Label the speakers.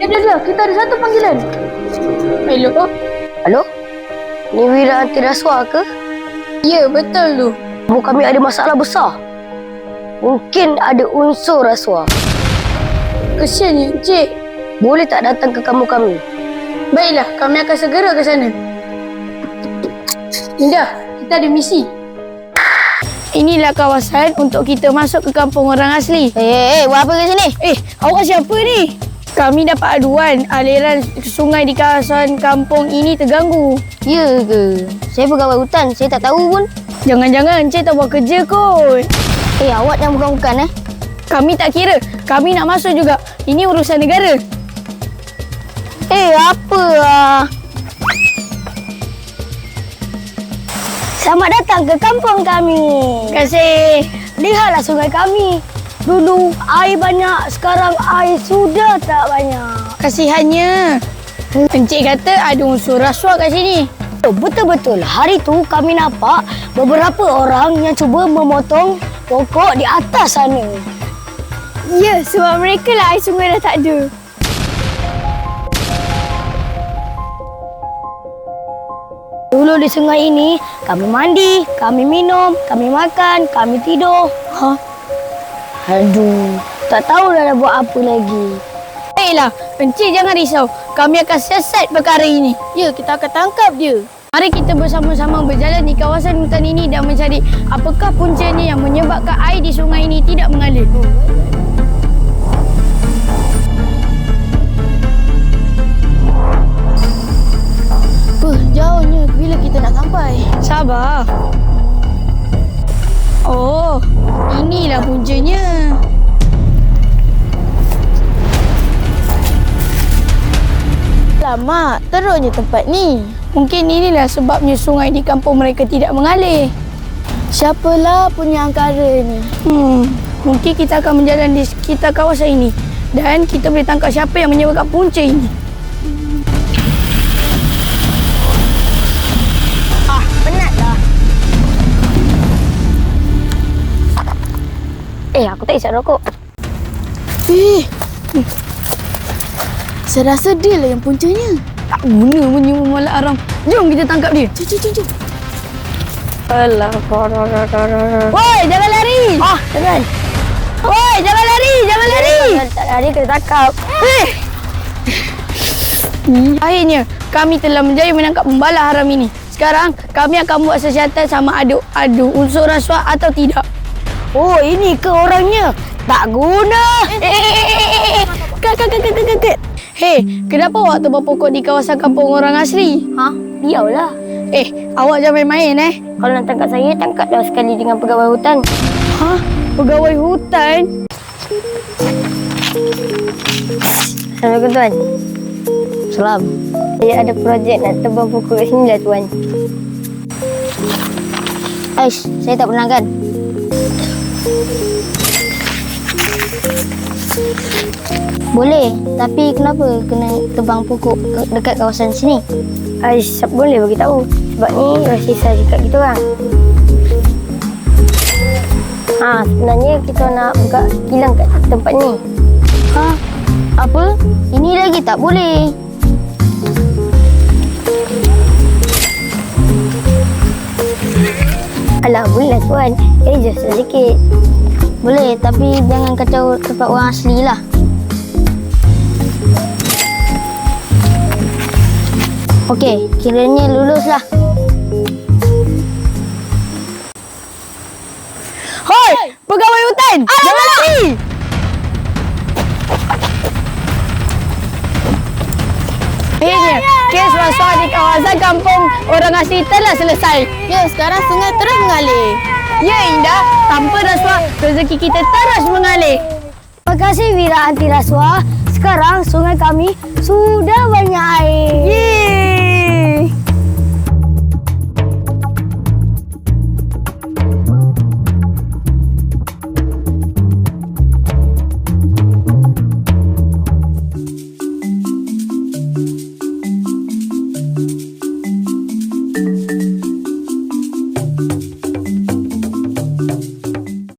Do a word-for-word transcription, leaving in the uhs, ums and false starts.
Speaker 1: Eh, dia, dia. Kita ada satu panggilan. Hello?
Speaker 2: Halo? Ni Wira anti rasuah ke?
Speaker 1: Ya, betul tu.
Speaker 2: Kamu kami ada masalah besar. Mungkin ada unsur rasuah.
Speaker 1: Kesiannya, Encik.
Speaker 2: Boleh tak datang ke kamu kami?
Speaker 1: Baiklah, kami akan segera ke sana. Indah, kita ada misi. Inilah kawasan untuk kita masuk ke kampung orang asli.
Speaker 2: Eh, hey, hey, buat apa ke sini?
Speaker 1: Eh, awak siapa ni? Kami dapat aduan aliran sungai di kawasan kampung ini terganggu.
Speaker 2: Ya ke? Saya pegawai hutan, saya tak tahu pun.
Speaker 1: Jangan-jangan Encik tak buat kerja kot.
Speaker 2: Eh, awak yang bukan-bukan eh?
Speaker 1: Kami tak kira. Kami nak masuk juga. Ini urusan negara.
Speaker 2: Eh, apa ah? Selamat datang ke kampung kami.
Speaker 1: Terima kasih.
Speaker 2: Lihatlah sungai kami. Dulu air banyak, sekarang air sudah tak banyak.
Speaker 1: Kasihannya. Encik kata ada unsur rasuah kat sini.
Speaker 2: Oh, betul-betul. Hari tu kami nampak beberapa orang yang cuba memotong pokok di atas sana.
Speaker 1: Ya, sebab mereka lah air sungai dah tak ada.
Speaker 2: Dulu di sungai ini, kami mandi, kami minum, kami makan, kami tidur.
Speaker 1: Ha?
Speaker 2: Aduh, tak tahu dah nak buat apa lagi.
Speaker 1: Baiklah, Encik jangan risau. Kami akan siasat perkara ini. Ya, kita akan tangkap dia. Mari kita bersama-sama berjalan di kawasan hutan ini dan mencari apakah puncanya yang menyebabkan air di sungai ini tidak mengalir.
Speaker 2: Uh, jauhnya. Bila kita nak sampai?
Speaker 1: Sabar. Oh, inilah puncanya.
Speaker 2: Lama, teruknya tempat ni.
Speaker 1: Mungkin inilah sebabnya sungai di kampung mereka tidak mengalir.
Speaker 2: Siapalah punya angkara ni?
Speaker 1: Hmm, mungkin kita akan berjalan di sekitar kawasan ini dan kita boleh tangkap siapa yang menyebabkan punca ini.
Speaker 2: Ah, penatlah. Eh, aku tak isap rokok.
Speaker 1: Eh, saya rasa dia lah yang puncanya. Tak guna menyium malak haram. Jom kita tangkap dia. Jom, jom, jom, jom.
Speaker 2: Alah,
Speaker 1: Woi, jangan lari.
Speaker 2: Ah, jangan.
Speaker 1: Woi, jangan lari, jangan lari.
Speaker 2: Jangan tak lari, kena tangkap.
Speaker 1: Eh. Akhirnya, kami telah menjaya menangkap pembala haram ini. Sekarang, kami akan buat siasatan sama ada ada unsur rasuah atau tidak.
Speaker 2: Oh, ini ke orangnya? Tak guna.
Speaker 1: Eh, kak, kak, kak, kak, kak, kak. Hei, kenapa awak tebang pokok di kawasan kampung orang asli?
Speaker 2: Ha? Biarlah.
Speaker 1: Eh, awak jangan main-main eh.
Speaker 2: Kalau nak tangkap saya, tangkap dah sekali dengan pegawai hutan.
Speaker 1: Hah? Pegawai hutan?
Speaker 2: Assalamualaikum, Tuan. Salam. Saya ada projek nak tebang pokok kat sini lah, Tuan. Aish, saya tak pernah kan? Boleh, tapi kenapa kena tebang pokok dekat kawasan sini? Aish, boleh bagi tahu. Sebab ni rahsia dekat kita orang. Ha, sebenarnya kita nak buka kilang kat tempat ni. Ha? Apa? Ini lagi tak boleh. Alah, boleh lah, Tuan. Eh, just sedikit. Boleh, tapi jangan kacau tempat orang asli lah. Okey, kiranya luluslah.
Speaker 1: Hoi, pegawai hutan! Jangan lari! Akhirnya, kes rasuah di kawasan kampung orang asli telah selesai.
Speaker 2: Ya, sekarang sungai terus mengalir.
Speaker 1: Ya, Indah. Tanpa rasuah, rezeki kita terus mengalir.
Speaker 2: Terima kasih Wira anti rasuah. Sekarang sungai kami sudah banyak air.
Speaker 1: Yeay!